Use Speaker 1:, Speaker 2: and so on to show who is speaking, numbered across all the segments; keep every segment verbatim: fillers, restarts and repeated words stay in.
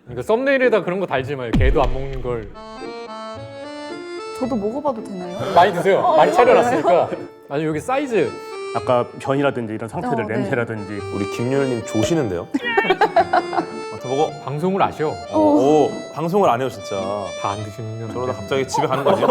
Speaker 1: 그러니까 썸네일에다 그런 거 달지 마요. 개도 안 먹는 걸.
Speaker 2: 저도 먹어봐도 되나요?
Speaker 1: 많이 드세요.
Speaker 2: 어,
Speaker 1: 많이
Speaker 2: 이거
Speaker 1: 차려놨으니까. 아니 여기 사이즈.
Speaker 3: 아까 변이라든지 이런 상태들
Speaker 2: 어, 네.
Speaker 3: 냄새라든지
Speaker 4: 우리 김유일님 조시는데요? 맡아보고.
Speaker 1: 방송을 아셔.
Speaker 4: 오, 오, 방송을 안 해요 진짜.
Speaker 1: 다 안 드시면. 안
Speaker 4: 저러다
Speaker 1: 돼.
Speaker 4: 갑자기 집에 가는 거지?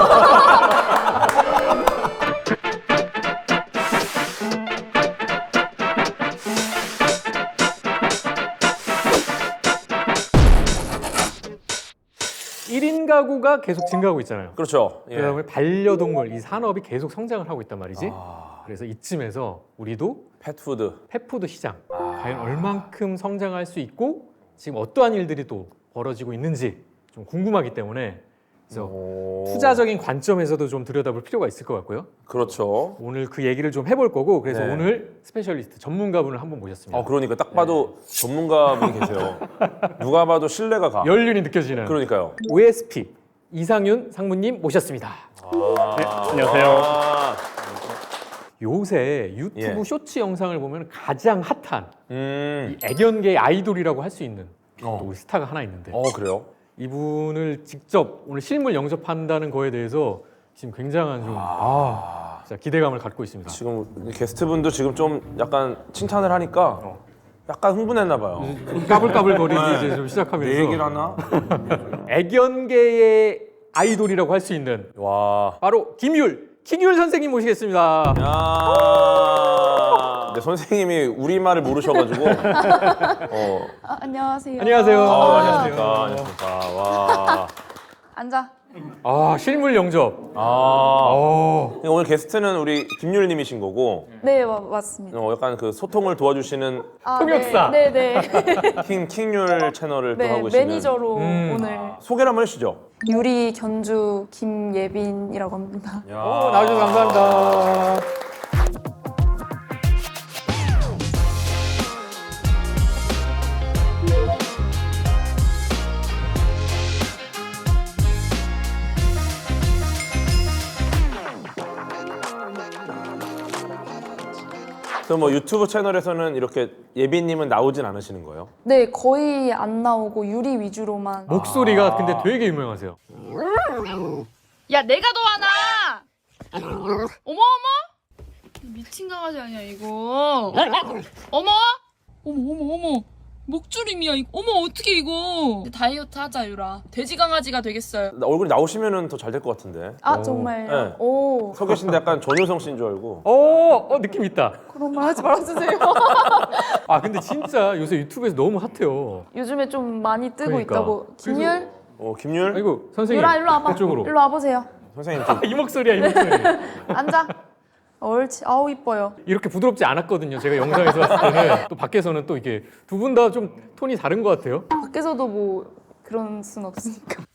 Speaker 1: 일 인 가구가 계속 증가하고 있잖아요.
Speaker 4: 그렇죠. 예.
Speaker 1: 그다음에 반려동물 이 산업이 계속 성장을 하고 있단 말이지.
Speaker 4: 아,
Speaker 1: 그래서 이쯤에서 우리도
Speaker 4: 펫푸드.
Speaker 1: 펫푸드 시장
Speaker 4: 아.
Speaker 1: 과연 얼만큼 성장할 수 있고 지금 어떠한 일들이 또 벌어지고 있는지 좀 궁금하기 때문에 그래서
Speaker 4: 오.
Speaker 1: 투자적인 관점에서도 좀 들여다볼 필요가 있을 것 같고요.
Speaker 4: 그렇죠.
Speaker 1: 오늘 그 얘기를 좀 해볼 거고 그래서
Speaker 4: 네.
Speaker 1: 오늘 스페셜리스트 전문가분을 한분 모셨습니다.
Speaker 4: 어, 그러니까 딱 봐도 전문가분이 계세요. 누가 봐도 신뢰가 가.
Speaker 1: 연륜이 느껴지는
Speaker 4: 그러니까요.
Speaker 1: 오에스피 이상윤 상무님 모셨습니다.
Speaker 4: 아,
Speaker 3: 네, 안녕하세요.
Speaker 4: 아,
Speaker 1: 요새 유튜브
Speaker 4: 예.
Speaker 1: 쇼츠 영상을 보면 가장 핫한
Speaker 4: 음.
Speaker 1: 이 애견계 아이돌이라고 할 수 있는
Speaker 4: 어.
Speaker 1: 또 우리 스타가 하나 있는데
Speaker 4: 어, 그래요?
Speaker 1: 이분을 직접 오늘 실물 영접한다는 거에 대해서 지금 굉장한 좀 아, 진짜 기대감을 갖고 있습니다.
Speaker 4: 지금 게스트분도 지금 좀 약간 칭찬을 하니까 약간 흥분했나 봐요.
Speaker 1: 까불까불거리기
Speaker 4: 네.
Speaker 1: 이제 좀 시작하면서
Speaker 4: 내 얘기를 하나?
Speaker 1: 애견계의 아이돌이라고 할 수 있는
Speaker 4: 와.
Speaker 1: 바로 김율, 킹율 선생님 모시겠습니다.
Speaker 4: 야. 근데 선생님이 우리말을 모르셔가지고. 어.
Speaker 2: 아, 안녕하세요.
Speaker 1: 안녕하세요.
Speaker 4: 아,
Speaker 1: 아,
Speaker 4: 안녕하십니까. 안녕하십니까. 와.
Speaker 2: 앉아.
Speaker 1: 아 실물 영접.
Speaker 4: 아.
Speaker 1: 어.
Speaker 4: 오늘 게스트는 우리 김율님이신 거고,
Speaker 2: 네, 마, 맞습니다.
Speaker 4: 어, 약간 그 소통을 도와주시는
Speaker 2: 아,
Speaker 1: 통역사.
Speaker 2: 네, 네. 네.
Speaker 4: 킹 킹율 채널을 또
Speaker 2: 네,
Speaker 4: 하고 계시는.
Speaker 2: 매니저로
Speaker 1: 음.
Speaker 2: 오늘
Speaker 4: 소개를 한번 해주시죠.
Speaker 2: 유리 견주 김예빈이라고 합니다.
Speaker 4: 야.
Speaker 1: 오, 나와주셔서 감사합니다.
Speaker 4: 그럼 뭐 유튜브 채널에서는 이렇게 예빈님은 나오진 않으시는 거예요?
Speaker 2: 네, 거의 안 나오고 유리 위주로만.
Speaker 1: 목소리가 근데 되게 유명하세요.
Speaker 5: 야 내가 더 하나. 어머 어머 미친 강아지 아니야 이거. 어머 어머 어머 어머 목줄임이야 이거. 어머 어떻게 이거. 다이어트 하자 유라. 돼지 강아지가 되겠어요.
Speaker 4: 나- 얼굴이 나오시면은 더 잘 될 것 같은데.
Speaker 2: 아,
Speaker 1: 오.
Speaker 2: 정말요?
Speaker 4: 네.
Speaker 2: 오,
Speaker 4: 서 계신데 약간 전효성 씨인 줄 알고.
Speaker 1: 어, 어 느낌 있다.
Speaker 2: 그런 말 하지 말아주세요.
Speaker 1: 아 근데 진짜 요새 유튜브에서 너무 핫해요.
Speaker 2: 요즘에 좀 많이 뜨고
Speaker 1: 그러니까.
Speaker 2: 있다고. 김율?
Speaker 4: 어, 김율
Speaker 1: 아이고 선생님.
Speaker 2: 유라, 일로 와봐.
Speaker 1: 이쪽으로.
Speaker 2: 일로 와보세요.
Speaker 4: 선생님 좀
Speaker 1: 이 목소리야 이 목소리.
Speaker 2: 앉아. 옳지. 아우, 이뻐요.
Speaker 1: 이렇게 부드럽지 않았거든요. 제가 영상에서 봤을 때는 또 밖에서는 또 이게 두 분 다 좀 톤이 다른 것 같아요.
Speaker 2: 밖에서도 뭐 그런 순 없으니까.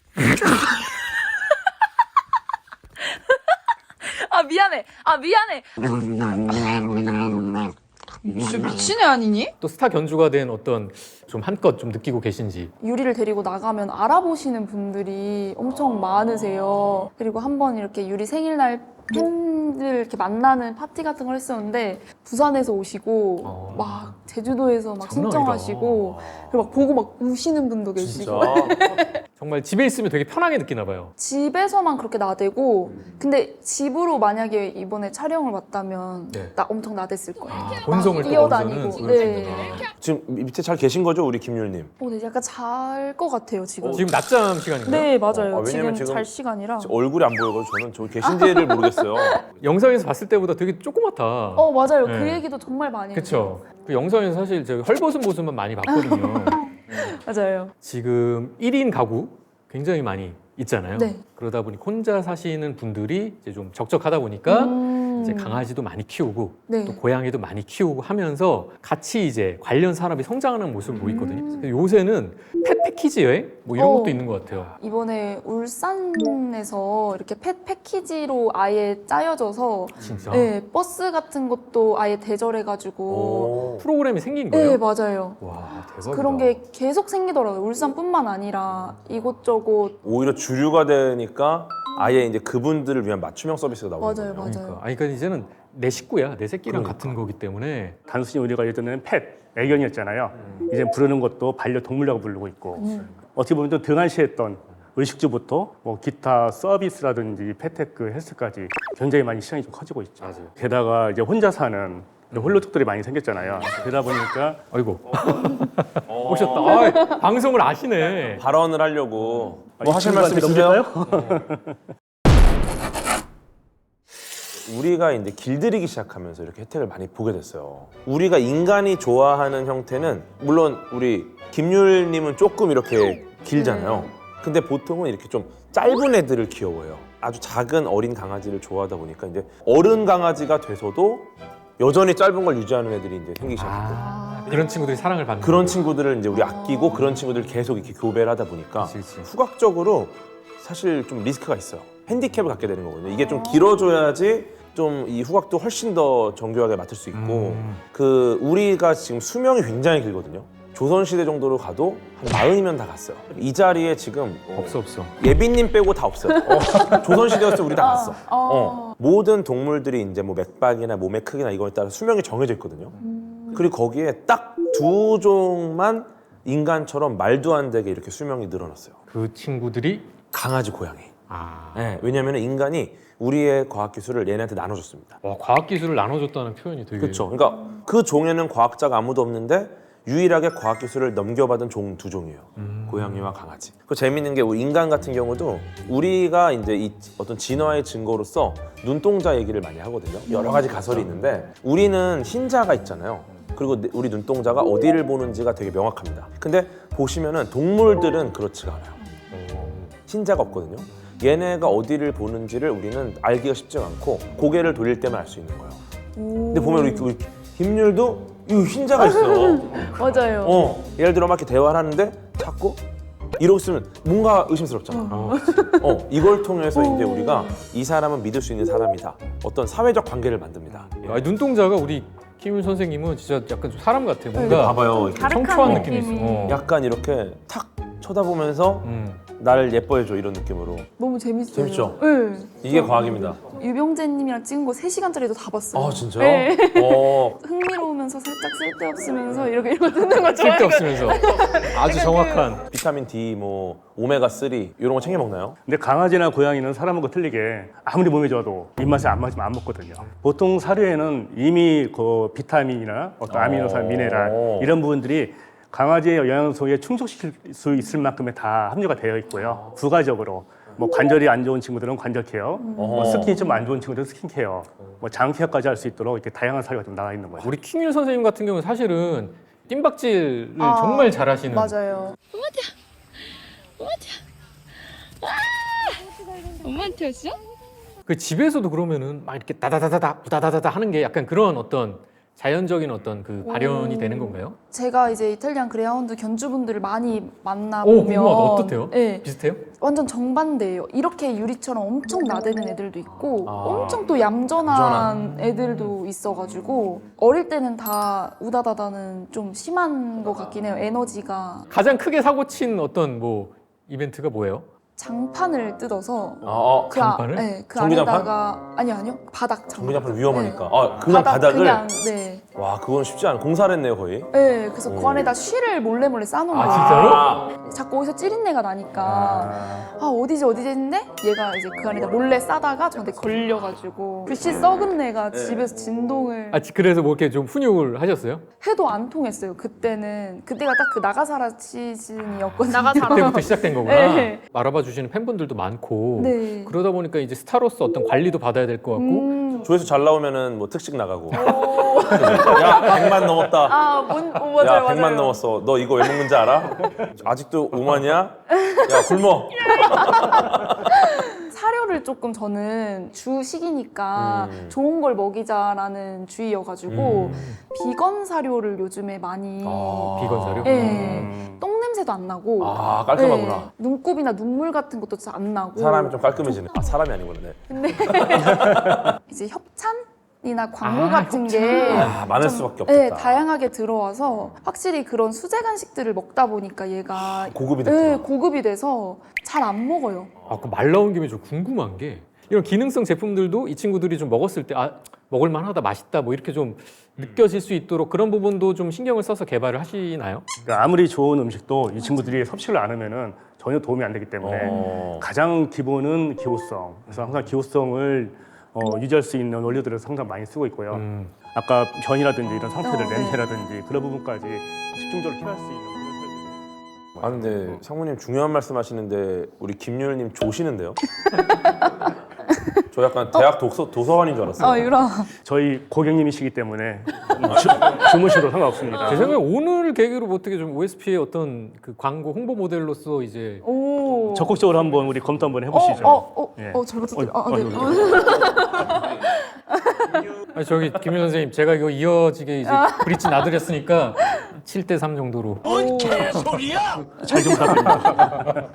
Speaker 2: 아, 미안해. 아, 미안해. 진짜 미친 애 아니니?
Speaker 1: 또 스타 견주가 된 어떤 좀 한껏 좀 느끼고 계신지.
Speaker 2: 유리를 데리고 나가면 알아보시는 분들이 엄청 많으세요. 그리고 한 번 이렇게 유리 생일날 팬들 이렇게 만나는 파티 같은 걸 했었는데 부산에서 오시고
Speaker 1: 어.
Speaker 2: 막 제주도에서 막
Speaker 1: 장난
Speaker 2: 신청하시고 그리고 막 보고 막 우시는 분도 계시고
Speaker 4: 진짜.
Speaker 1: 정말 집에 있으면 되게 편하게 느끼나 봐요.
Speaker 2: 집에서만 그렇게 나대고 근데 집으로 만약에 이번에 촬영을 왔다면
Speaker 1: 네.
Speaker 2: 나 엄청 나댔을 거예요.
Speaker 1: 아, 본성을 또
Speaker 2: 뛰어다니고.
Speaker 1: 거기서는 보여주는구나.
Speaker 2: 네.
Speaker 4: 지금 밑에 잘 계신 거죠, 우리 김율님?
Speaker 2: 어, 네, 약간 잘 것 같아요 지금.
Speaker 1: 지금 낮잠 시간인가요?
Speaker 2: 네, 맞아요.
Speaker 4: 어, 아, 왜냐면
Speaker 2: 지금,
Speaker 4: 지금
Speaker 2: 잘 시간이라.
Speaker 4: 얼굴이 안 보여가지고 저는 저기 계신지를 모르겠어요.
Speaker 1: 영상에서 봤을 때보다 되게 조그맣다.
Speaker 2: 어, 맞아요.
Speaker 1: 네.
Speaker 2: 그 얘기도 정말 많이 해요.
Speaker 1: 그렇죠. 그 영상에서 사실 제가 헐벗은 모습만 많이 봤거든요.
Speaker 2: 맞아요.
Speaker 1: 지금 일 인 가구 굉장히 많이 있잖아요.
Speaker 2: 네.
Speaker 1: 그러다 보니 혼자 사시는 분들이 이제 좀 적적하다 보니까
Speaker 2: 음.
Speaker 1: 이제 강아지도 많이 키우고
Speaker 2: 네.
Speaker 1: 또 고양이도 많이 키우고 하면서 같이 이제 관련 산업이 성장하는 모습을 보이거든요.
Speaker 2: 음.
Speaker 1: 그래서 요새는 펫 패키지 여행 뭐 이런
Speaker 2: 어.
Speaker 1: 것도 있는 것 같아요.
Speaker 2: 이번에 울산에서 이렇게 펫 패키지로 아예 짜여져서
Speaker 1: 진짜
Speaker 2: 네, 버스 같은 것도 아예 대절해가지고
Speaker 4: 오.
Speaker 1: 프로그램이 생긴 거예요.
Speaker 2: 네, 맞아요.
Speaker 1: 와 대박이다.
Speaker 2: 그런 게 계속 생기더라고요. 울산뿐만 아니라 이곳저곳.
Speaker 4: 오히려 주류가 되니까 아예 이제 그분들을 위한 맞춤형 서비스가 나오는
Speaker 2: 맞아요,
Speaker 4: 거예요.
Speaker 2: 맞아요.
Speaker 1: 그러니까 아니 그러니까 이제는 내 식구야, 내 새끼랑
Speaker 4: 그러니까.
Speaker 1: 같은 거기 때문에
Speaker 3: 단순히 우리가 예전에는 펫 애견이었잖아요. 이제 부르는 것도 반려동물이라고 부르고 있고 어떻게 보면 또 등한시했던 의식주부터 뭐 기타 서비스라든지 패테크, 헬스까지 굉장히 많이 시장이 좀 커지고 있죠.
Speaker 1: 맞아요.
Speaker 3: 게다가 이제 혼자 사는 홀로족들이 많이 생겼잖아요. 그러다 보니까
Speaker 1: 아이고 오셨다. 아, 방송을 아시네.
Speaker 4: 발언을 하려고
Speaker 3: 아,
Speaker 4: 뭐
Speaker 3: 이
Speaker 4: 하실 말씀
Speaker 3: 친구한테
Speaker 4: 있으세요? 우리가 이제 길들이기 시작하면서 이렇게 혜택을 많이 보게 됐어요. 우리가 인간이 좋아하는 형태는 물론 우리 김율님은 조금 이렇게 길잖아요. 근데 보통은 이렇게 좀 짧은 애들을 귀여워해요. 아주 작은 어린 강아지를 좋아하다 보니까 이제 어른 강아지가 돼서도 여전히 짧은 걸 유지하는 애들이 이제 생기기 시작했고
Speaker 1: 아, 그런 친구들이 사랑을 받는
Speaker 4: 그런 친구들을 이제 우리 아끼고 그런 친구들 계속 이렇게 교배를 하다 보니까
Speaker 1: 그치, 그치.
Speaker 4: 후각적으로 사실 좀 리스크가 있어요. 핸디캡을 갖게 되는 거거든요. 이게 좀 길어져야지 좀 이 후각도 훨씬 더 정교하게 맡을 수 있고
Speaker 1: 음.
Speaker 4: 그 우리가 지금 수명이 굉장히 길거든요. 조선시대 정도로 가도 한 마흔이면 다 갔어요. 이 자리에 지금 어,
Speaker 1: 없어 없어.
Speaker 4: 예빈님 빼고 다 없어요. 어, 조선시대였을 때 우리 다 갔어.
Speaker 2: 어.
Speaker 4: 어. 모든 동물들이 이제 뭐 맥박이나 몸의 크기나 이거에 따라 수명이 정해져 있거든요. 그리고 거기에 딱 두 종만 인간처럼 말도 안 되게 이렇게 수명이 늘어났어요.
Speaker 1: 그 친구들이
Speaker 4: 강아지, 고양이.
Speaker 1: 아,
Speaker 4: 네, 왜냐하면 인간이 우리의 과학 기술을 얘네한테 나눠줬습니다.
Speaker 1: 와, 과학 기술을 나눠줬다는 표현이 되게
Speaker 4: 그렇죠. 그러니까 그 종에는 과학자가 아무도 없는데 유일하게 과학 기술을 넘겨받은 종 두 종이에요.
Speaker 1: 음.
Speaker 4: 고양이와 강아지. 그 재밌는 게 우리 인간 같은 경우도 우리가 이제 이 어떤 진화의 증거로서 눈동자 얘기를 많이 하거든요. 여러 가지 가설이 있는데 우리는 흰자가 있잖아요. 그리고 우리 눈동자가 어디를 보는지가 되게 명확합니다. 근데 보시면은 동물들은 그렇지가 않아요. 흰자가 없거든요. 얘네가 어디를 보는지를 우리는 알기가 쉽지가 않고 고개를 돌릴 때만 알 수 있는 거예요. 근데 보면 우리, 우리 김율도 이 흰자가 있어.
Speaker 2: 맞아요.
Speaker 4: 어, 예를 들어 막 이렇게 대화를 하는데 자꾸 이러고 있으면 뭔가 의심스럽잖아.
Speaker 1: 어,
Speaker 4: 어, 이걸 통해서 이제 우리가 이 사람은 믿을 수 있는 사람이다. 어떤 사회적 관계를 만듭니다.
Speaker 1: 아, 눈동자가 우리 김윤 선생님은 진짜 약간 좀 사람 같아.
Speaker 2: 네,
Speaker 1: 뭔가
Speaker 4: 봐봐요. 이렇게
Speaker 1: 청초한
Speaker 2: 가득한
Speaker 1: 느낌이 있어.
Speaker 2: 느낌이.
Speaker 1: 어.
Speaker 4: 약간 이렇게 탁 쳐다보면서
Speaker 1: 음.
Speaker 4: 나를 예뻐해줘 이런 느낌으로.
Speaker 2: 너무 재밌어요.
Speaker 4: 재밌죠?
Speaker 2: 네.
Speaker 4: 이게 과학입니다.
Speaker 2: 유병재님이랑 찍은 거 세 시간짜리도 다 봤어요.
Speaker 4: 아 진짜요?
Speaker 2: 네.
Speaker 4: 어,
Speaker 2: 흥미로우면서 살짝 쓸데없으면서 이렇게 이거 듣는 거 좋아해요.
Speaker 1: 쓸데없으면서 아주 정확한.
Speaker 4: 비타민 D, 뭐 오메가 쓰리 이런 거 챙겨 먹나요?
Speaker 3: 근데 강아지나 고양이는 사람하고 틀리게 아무리 몸이 좋아도 입맛에 안 맞으면 안 먹거든요. 보통 사료에는 이미 그 비타민이나 어떤 아미노산,
Speaker 4: 오.
Speaker 3: 미네랄 이런 부분들이 강아지의 영양소에 충족시킬 수 있을 만큼의 다 함유가 되어 있고요. 부가적으로 뭐 관절이 안 좋은 친구들은 관절 케어, 뭐 스킨이 좀 안 좋은 친구들은 스킨 케어, 뭐 장 케어까지 할 수 있도록 이렇게 다양한 사료가 좀 나와 있는 거죠.
Speaker 1: 우리 킹윤 선생님 같은 경우는 사실은 뜀박질을
Speaker 2: 아,
Speaker 1: 정말 잘하시는.
Speaker 2: 맞아요.
Speaker 5: 엄마한테 왔어?
Speaker 1: 그 집에서도 그러면은 막 이렇게 다다다다다 다다다다 하는 게 약간 그런 어떤 자연적인 어떤 그 발현이
Speaker 2: 오.
Speaker 1: 되는 건가요?
Speaker 2: 제가 이제 이탈리안 그레하운드 견주분들을 많이
Speaker 1: 오,
Speaker 2: 만나보면
Speaker 1: 궁금하다. 어떻대요?
Speaker 2: 네,
Speaker 1: 비슷해요?
Speaker 2: 완전 정반대예요. 이렇게 유리처럼 엄청 나대는 애들도 있고
Speaker 4: 아.
Speaker 2: 엄청 또 얌전한 애들도 있어가지고 어릴 때는 다 우다다다는 좀 심한 것 같긴 해요. 에너지가.
Speaker 1: 가장 크게 사고 친 어떤 뭐 이벤트가 뭐예요?
Speaker 2: 장판을 뜯어서
Speaker 4: 아, 어,
Speaker 2: 그, 아,
Speaker 1: 장판을?
Speaker 2: 네, 그
Speaker 4: 전기장판?
Speaker 2: 안에다가 아니요 아니요 바닥 장판.
Speaker 4: 전기장판 위험하니까.
Speaker 2: 네.
Speaker 4: 아, 그냥
Speaker 2: 바닥,
Speaker 4: 바닥을.
Speaker 2: 그냥, 네.
Speaker 4: 와, 그건 쉽지 않아. 공사를 했네요 거의.
Speaker 2: 네, 그래서
Speaker 4: 오.
Speaker 2: 그 안에다 쉬를 몰래 몰래 싸놓은
Speaker 1: 아,
Speaker 2: 거예요.
Speaker 1: 진짜로?
Speaker 2: 자꾸 어디서 찌린내가 나니까 아 어디지 어디지 했는데 얘가 이제 그 안에다 몰래 싸다가 저한테 걸려가지고 그 씨 썩은 내가 집에서 진동을
Speaker 1: 아, 그래서 뭐 이렇게 좀 훈육을 하셨어요?
Speaker 2: 해도 안 통했어요. 그때는 그때가 딱 그 나가사라 시즌이었거든요.
Speaker 5: 나가사라.
Speaker 1: 그때부터 시작된 거구나.
Speaker 2: 네.
Speaker 1: 알아봐 주시는 팬분들도 많고
Speaker 2: 네.
Speaker 1: 그러다 보니까 이제 스타로서 어떤 관리도 받아야 될 것 같고
Speaker 2: 음,
Speaker 4: 조회수 잘 나오면은 뭐 특식 나가고. 야, 백만 넘었다.
Speaker 2: 아, 뭔, 어, 맞아요,
Speaker 4: 야,
Speaker 2: 맞아요.
Speaker 4: 백만 넘었어. 너 이거 왜 먹는지 알아? 아직도 오만이야? 야, 굶어.
Speaker 2: 사료를 조금 저는 주식이니까
Speaker 4: 음.
Speaker 2: 좋은 걸 먹이자라는 주의여가지고 비건 사료를 요즘에 많이
Speaker 4: 아.
Speaker 1: 비건 사료?
Speaker 2: 네.
Speaker 3: 음.
Speaker 2: 똥 냄새도 안 나고
Speaker 4: 아, 깔끔하구나.
Speaker 2: 네. 눈곱이나 눈물 같은 것도 잘 안 나고
Speaker 4: 사람이 좀 깔끔해지네. 아, 사람이 아니구나. 네.
Speaker 2: 이제 협찬이나 광고
Speaker 1: 아,
Speaker 2: 같은 게
Speaker 4: 아, 많을
Speaker 2: 좀,
Speaker 4: 수밖에
Speaker 2: 네,
Speaker 4: 없겠다.
Speaker 2: 다양하게 들어와서 확실히 그런 수제 간식들을 먹다 보니까 얘가
Speaker 4: 고급이
Speaker 2: 네,
Speaker 4: 됐구나.
Speaker 2: 고급이 돼서 잘 안 먹어요.
Speaker 1: 아, 그 말 나온 김에 좀 궁금한 게 이런 기능성 제품들도 이 친구들이 좀 먹었을 때 아, 먹을만하다, 맛있다 뭐 이렇게 좀 느껴질 수 있도록 그런 부분도 좀 신경을 써서 개발을 하시나요?
Speaker 3: 그러니까 아무리 좋은 음식도 이 친구들이 섭취를 안 하면은 전혀 도움이 안 되기 때문에
Speaker 4: 어.
Speaker 3: 가장 기본은 기호성. 그래서 항상 기호성을 어, 유지할 수 있는 원료들을 상당히 많이 쓰고 있고요.
Speaker 1: 음.
Speaker 3: 아까 변이라든지 이런 상태들,
Speaker 2: 어, 네.
Speaker 3: 냄새라든지 그런 부분까지 집중적으로 피할 수 있는 그런 설비.
Speaker 4: 아 근데 상무님 중요한 말씀하시는데 우리 김율님 조시는데요? 저 약간 대학 독서, 도서관인 줄 알았어요.
Speaker 2: 아 유라.
Speaker 3: 저희 고객님이시기 때문에 주, 주무셔도 상관없습니다.
Speaker 1: 제 생각에 오늘 계기로 뭐 어떻게 좀 오에스피의 어떤 그 광고 홍보 모델로서 이제
Speaker 2: 오.
Speaker 3: 적극적으로 한번 우리 검토 한번 해보시죠.
Speaker 2: 어, 어, 어,
Speaker 3: 예.
Speaker 2: 어, 잘 부탁드려요.
Speaker 3: 어,
Speaker 2: 아, 네.
Speaker 3: 어,
Speaker 1: 아니 저기 김윤 선생님 제가 이거 이어지게 이제 브릿지 놔드렸으니까 칠 대 삼 정도로
Speaker 3: 잘 좀 부탁드립니다.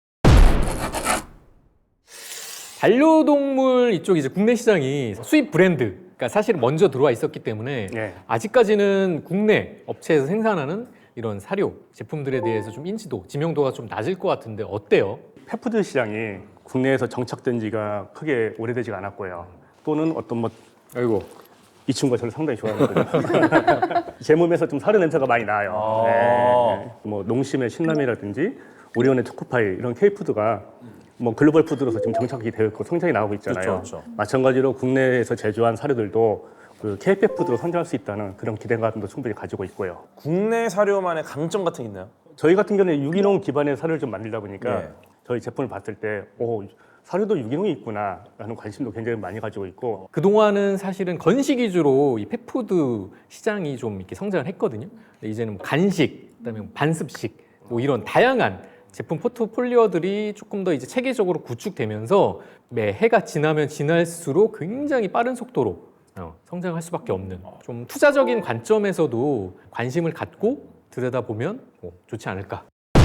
Speaker 1: 반려동물 이쪽 이제 국내 시장이 수입 브랜드, 그러니까 사실 먼저 들어와 있었기 때문에
Speaker 3: 예.
Speaker 1: 아직까지는 국내 업체에서 생산하는 이런 사료 제품들에 대해서 좀 인지도, 지명도가 좀 낮을 것 같은데 어때요?
Speaker 3: 펫푸드 시장이 국내에서 정착된 지가 크게 오래되지가 않았고요. 또는 어떤 뭐 이
Speaker 1: 아이고
Speaker 3: 친구가 저를 상당히 좋아하거든요. 제 몸에서 좀 사료 냄새가 많이 나요.
Speaker 4: 아.
Speaker 3: 네. 뭐 농심의 신라면이라든지 오리온의 초코파이 이런 K푸드가 뭐 글로벌 푸드로서 지금 정착이 되어 있고 성장이 나오고 있잖아요.
Speaker 4: 그렇죠, 그렇죠.
Speaker 3: 마찬가지로 국내에서 제조한 사료들도 그 K백 푸드로 선정할 수 있다는 그런 기대감도 충분히 가지고 있고요.
Speaker 4: 국내 사료만의 강점 같은 게 있나요?
Speaker 3: 저희 같은 경우는 유기농 기반의 사료를 좀 만들다 보니까
Speaker 4: 네.
Speaker 3: 저희 제품을 봤을 때 오, 사료도 유기농이 있구나라는 관심도 굉장히 많이 가지고 있고
Speaker 1: 그동안은 사실은 건식 위주로 이 펫푸드 시장이 좀 이렇게 성장을 했거든요. 근데 이제는 뭐 간식, 그다음에 뭐 반습식, 뭐 이런 다양한 제품 포트폴리오들이 조금 더 이제 체계적으로 구축되면서 매 해가 지나면 지날수록 굉장히 빠른 속도로 어, 성장할 수밖에 없는 좀 투자적인 관점에서도 관심을 갖고 들여다보면 뭐 좋지 않을까.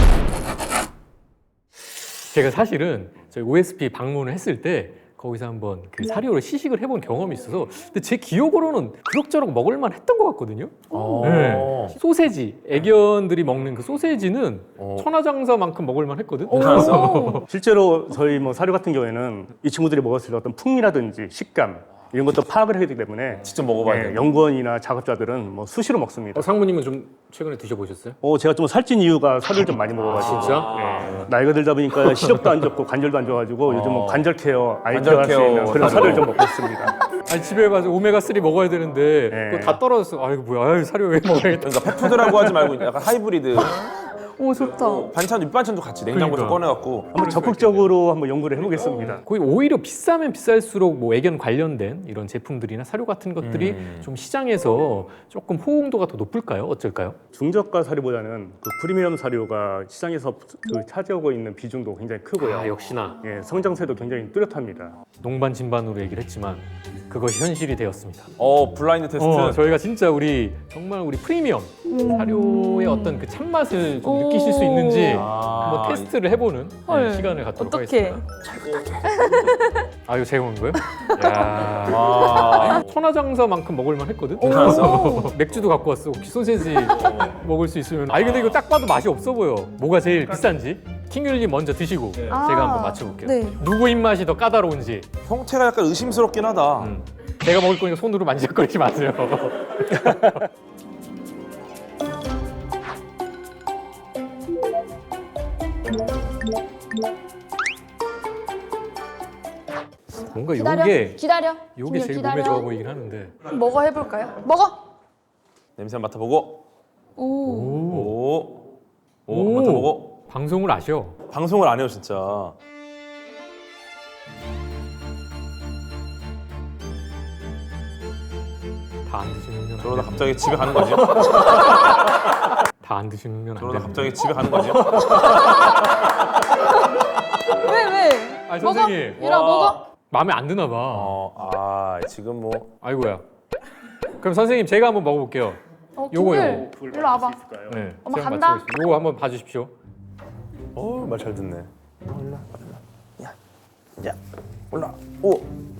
Speaker 1: 제가 사실은 저희 오에스피 방문을 했을 때 거기서 한번 그 사료를 시식을 해본 경험이 있어서 근데 제 기억으로는 그럭저럭 먹을만 했던 것 같거든요. 네. 소세지, 애견들이 먹는 그 소세지는
Speaker 4: 어.
Speaker 1: 천하장사만큼 먹을만 했거든.
Speaker 2: 오.
Speaker 3: 실제로 저희 뭐 사료 같은 경우에는 이 친구들이 먹었을 때 어떤 풍미라든지 식감 이런 것도 파악을 하기 때문에
Speaker 4: 직접 먹어봐야
Speaker 3: 예,
Speaker 4: 돼요.
Speaker 3: 연구원이나 작업자들은 뭐 수시로 먹습니다.
Speaker 1: 어, 상무님은 좀 최근에 드셔보셨어요?
Speaker 3: 어, 제가 좀 살찐 이유가 사료를 좀 많이 먹어가지고
Speaker 1: 진짜?
Speaker 3: 예, 나이가 들다 보니까 시력도 안 좋고 관절도 안 좋아가지고 요즘 은 관절 케어, 아이 케어 할 수
Speaker 4: 관절
Speaker 3: 있는
Speaker 4: 케어
Speaker 3: 그런
Speaker 4: 사료.
Speaker 3: 사료를 좀 먹고 있습니다.
Speaker 1: 아니 집에 가서 오메가 쓰리 먹어야 되는데
Speaker 3: 네.
Speaker 1: 그거 다 떨어졌어. 아이고 뭐야, 아유, 사료 왜 먹어야겠다.
Speaker 4: 그러니까 펫푸드라고 하지 말고 약간 하이브리드
Speaker 2: 오 좋다.
Speaker 4: 반찬 밑반찬도 같이 냉장고에서
Speaker 1: 그러니까.
Speaker 4: 꺼내갖고
Speaker 3: 한번 적극적으로 한번 연구를 해보겠습니다.
Speaker 1: 거의 오히려 비싸면 비쌀수록 뭐 애견 관련된 이런 제품들이나 사료 같은 것들이
Speaker 4: 음.
Speaker 1: 좀 시장에서 조금 호응도가 더 높을까요? 어쩔까요?
Speaker 3: 중저가 사료보다는 그 프리미엄 사료가 시장에서 그 차지하고 있는 비중도 굉장히 크고요.
Speaker 1: 아, 역시나
Speaker 3: 예, 성장세도 굉장히 뚜렷합니다.
Speaker 1: 농반진반으로 얘기를 했지만 그것이 현실이 되었습니다.
Speaker 4: 어 블라인드 테스트
Speaker 1: 어, 저희가 진짜 우리 정말 우리 프리미엄 사료의 어떤 그 참맛을 좀
Speaker 2: 오.
Speaker 1: 느끼실 수 있는지
Speaker 4: 아.
Speaker 1: 한번 테스트를 해보는 네,
Speaker 2: 헐.
Speaker 1: 시간을 갖도록
Speaker 2: 어떡해.
Speaker 1: 하겠습니다. 아 이거 제가 온 거예요? 야.
Speaker 4: 와.
Speaker 1: 천하장사만큼 먹을만 했거든.
Speaker 4: 괜찮았어?
Speaker 1: 맥주도 갖고 왔어. 혹시 소세지 먹을 수 있으면. 아니 근데 이거 딱 봐도 맛이 없어 보여. 뭐가 제일 비싼지 킹귤님 먼저 드시고 제가 한번 맞춰볼게요.
Speaker 2: 네.
Speaker 1: 누구 입맛이 더 까다로운지.
Speaker 4: 형태가 약간 의심스럽긴 하다.
Speaker 1: 음. 제가 먹을 거니까 손으로 만지작거리지 마세요. 뭔가
Speaker 2: 기다려.
Speaker 1: 요게
Speaker 2: 기다려.
Speaker 1: 요게
Speaker 2: 김율
Speaker 1: 제일
Speaker 2: 기다려.
Speaker 1: 몸에 좋아 보이긴 하는데.
Speaker 2: 먹어 해볼까요? 먹어.
Speaker 4: 냄새 한번 맡아보고
Speaker 2: 오.
Speaker 4: 오. 오,
Speaker 1: 오.
Speaker 4: 맡아보고
Speaker 1: 방송을 아셔.
Speaker 4: 방송을 안 해요 진짜.
Speaker 1: 다 안 드시면
Speaker 4: 저러다
Speaker 1: 안
Speaker 4: 갑자기 집에 가는 거 아니에요?
Speaker 1: 다안 드시면 안
Speaker 4: 저러다
Speaker 1: 돼.
Speaker 4: 갑자기 집에 가는 거 아니에요?
Speaker 2: 왜 왜?
Speaker 1: 아니,
Speaker 2: 먹어.
Speaker 1: 선생님.
Speaker 2: 유라
Speaker 4: 와.
Speaker 2: 먹어.
Speaker 1: 마음에 안 드나 봐.
Speaker 4: 어, 아 지금 뭐
Speaker 1: 아이고야. 그럼 선생님 제가 한번 먹어볼게요.
Speaker 2: 어,
Speaker 1: 요거,
Speaker 2: 김율.
Speaker 1: 요거.
Speaker 2: 일로 와봐.
Speaker 1: 네.
Speaker 2: 엄마
Speaker 1: 제가
Speaker 2: 간다?
Speaker 1: 맞춰보겠습니다. 요거 한번 봐주십시오.
Speaker 4: 어, 말 잘 듣네. 올라, 올라. 야, 야, 올라. 오.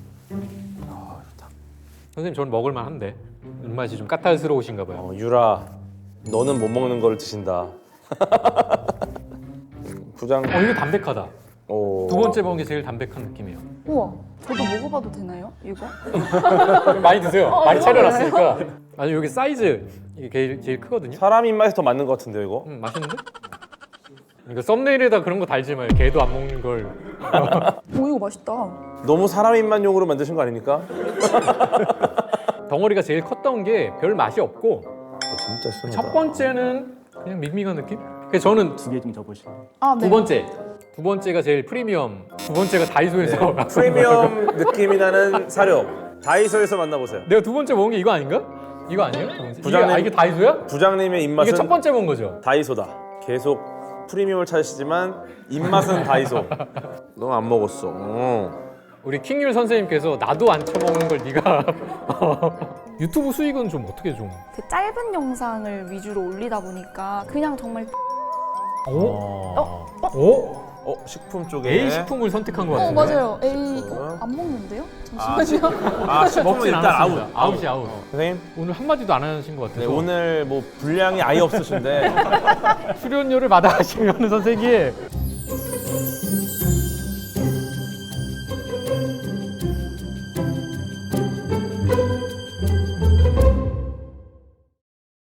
Speaker 1: 선생님 저는 먹을만 한데 입맛이 좀 까탈스러우신가 봐요.
Speaker 4: 어, 유라, 너는 못 먹는 걸 드신다. 음, 부장.
Speaker 1: 어 이거 담백하다.
Speaker 4: 오.
Speaker 1: 두 번째 먹은 게 제일 담백한 느낌이에요.
Speaker 2: 우와, 저도 먹어봐도 되나요? 이거?
Speaker 1: 많이 드세요.
Speaker 2: 어,
Speaker 1: 많이
Speaker 2: 이거
Speaker 1: 차려놨으니까. 아니 여기 사이즈 이게 제일, 제일 크거든요.
Speaker 4: 사람 입맛에 더 맞는 것 같은데요, 이거?
Speaker 1: 음, 맛있는데? 이거 썸네일에다 그런 거 달지 마요. 개도 안 먹는 걸.
Speaker 2: 오, 이거 맛있다.
Speaker 4: 너무 사람 입맛용으로 만드신 거 아닙니까?
Speaker 1: 덩어리가 제일 컸던 게 별 맛이 없고
Speaker 4: 어, 진짜 순하다.
Speaker 1: 첫 번째는 그냥 밍밍한 느낌? 그래서 저는
Speaker 3: 두 개 좀 줘보시면.
Speaker 2: 아, 네.
Speaker 1: 두 번째 두 번째가 제일 프리미엄 두 번째가 다이소에서
Speaker 4: 네. 프리미엄 느낌이 나는 사료. 다이소에서 만나보세요.
Speaker 1: 내가 두 번째 먹은 게 이거 아닌가? 이거 아니에요? 두 번째? 이게,
Speaker 4: 부장님.
Speaker 1: 아, 이게 다이소야?
Speaker 4: 부장님의 입맛은
Speaker 1: 이게 첫 번째 먹은 거죠?
Speaker 4: 다이소다. 계속 프리미엄을 찾으시지만 입맛은 다이소. 너 안 먹었어. 어.
Speaker 1: 우리 킹률 선생님께서 나도 안 쳐먹는 걸 네가 유튜브 수익은 좀 어떻게 좀
Speaker 2: 그 짧은 영상을 위주로 올리다 보니까 그냥 정말
Speaker 1: 어?
Speaker 2: 어?
Speaker 1: 어?
Speaker 4: 어, 식품 쪽에.
Speaker 1: A 식품을 선택한 것
Speaker 2: 어,
Speaker 1: 같은데?
Speaker 2: 맞아요. 에이, 어, 안 먹는데요?
Speaker 4: 아,
Speaker 2: 잠시만요.
Speaker 4: 아, 식품은
Speaker 1: 먹진
Speaker 4: 일단
Speaker 1: 않았습니다.
Speaker 4: 아웃.
Speaker 1: 아웃이 아웃.
Speaker 4: 선생님,
Speaker 1: 오늘 한마디도 안 하신 것
Speaker 4: 네,
Speaker 1: 같아서
Speaker 4: 오늘 뭐 분량이 아예 없으신데
Speaker 1: 출연료를 받아가시면 선생님